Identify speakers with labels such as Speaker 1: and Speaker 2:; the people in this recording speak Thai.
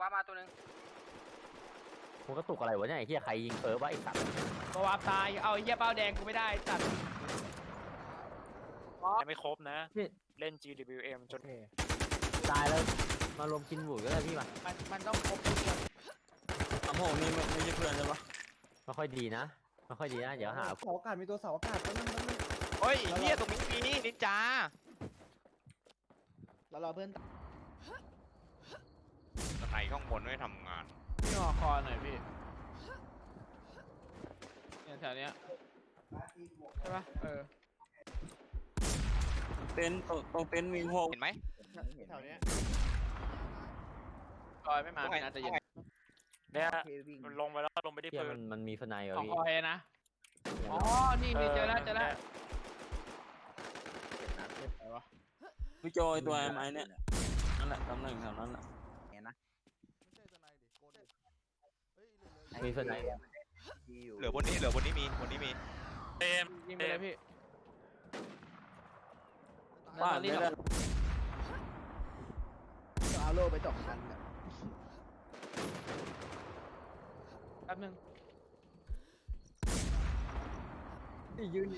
Speaker 1: ว้ามาตัวนึง
Speaker 2: กูกระตุกอะไรวะเนี่ยไอ้เหี้ยใครยิงเฟิร์สวะไอ้สัตว์
Speaker 3: ก็วาร์ปตายเอาไอ้เหี้ยเป้าแดงกูไม่ได้จัด
Speaker 4: ยังไม่ครบนะเล่น GWM จน
Speaker 2: ตายแล้วมารวมกินหมูก็ได้พี่มา
Speaker 3: มันต้องครบทุกคน
Speaker 5: สามหกนี่ไม่ใช่เพื่อนใช่ปะ
Speaker 2: ไม่ค่อยดีนะไม่ค่อยดีนะเดี๋ยวหา
Speaker 6: เสาอากาศมีตัวเสาอากาศนั่น
Speaker 7: เฮ้ยเฮียตรงนี้มีนินจา
Speaker 6: แล้วเราเพื่อน
Speaker 7: สไนข้างบนไม่ทำงาน
Speaker 3: พี่งอคอหน่อยพี่เนี่ยแถวเนี้ยใช่ปะ
Speaker 5: เต็นท์ตรงเต็นท์มีพวก
Speaker 7: เห็นไหม
Speaker 6: แถวเนี้ย
Speaker 3: คอยไม่มาไม่น่าจะเย็น
Speaker 4: เนี่ยมันลงไปแล้วลงไปที่
Speaker 2: เหี้ย
Speaker 4: พื้
Speaker 2: มันมีสไนเหรอ
Speaker 3: ของ
Speaker 2: พี่
Speaker 3: คอยนะอ๋อนี่เจอแล้วไหนวะ
Speaker 5: พี่โจไอตัวไอ้เนี่ยนั่นแหละตำแหน่งแถวนั้นแหละ
Speaker 2: มีสไน
Speaker 7: เหลือบนนี้มี
Speaker 4: เต็ม
Speaker 3: ยิงไปเลยพี่
Speaker 5: บ้าน
Speaker 3: รี
Speaker 5: ไม่
Speaker 3: บ
Speaker 5: ได้
Speaker 6: เอาโล่ไป2 คัน
Speaker 3: แป๊บนึง
Speaker 6: ยืน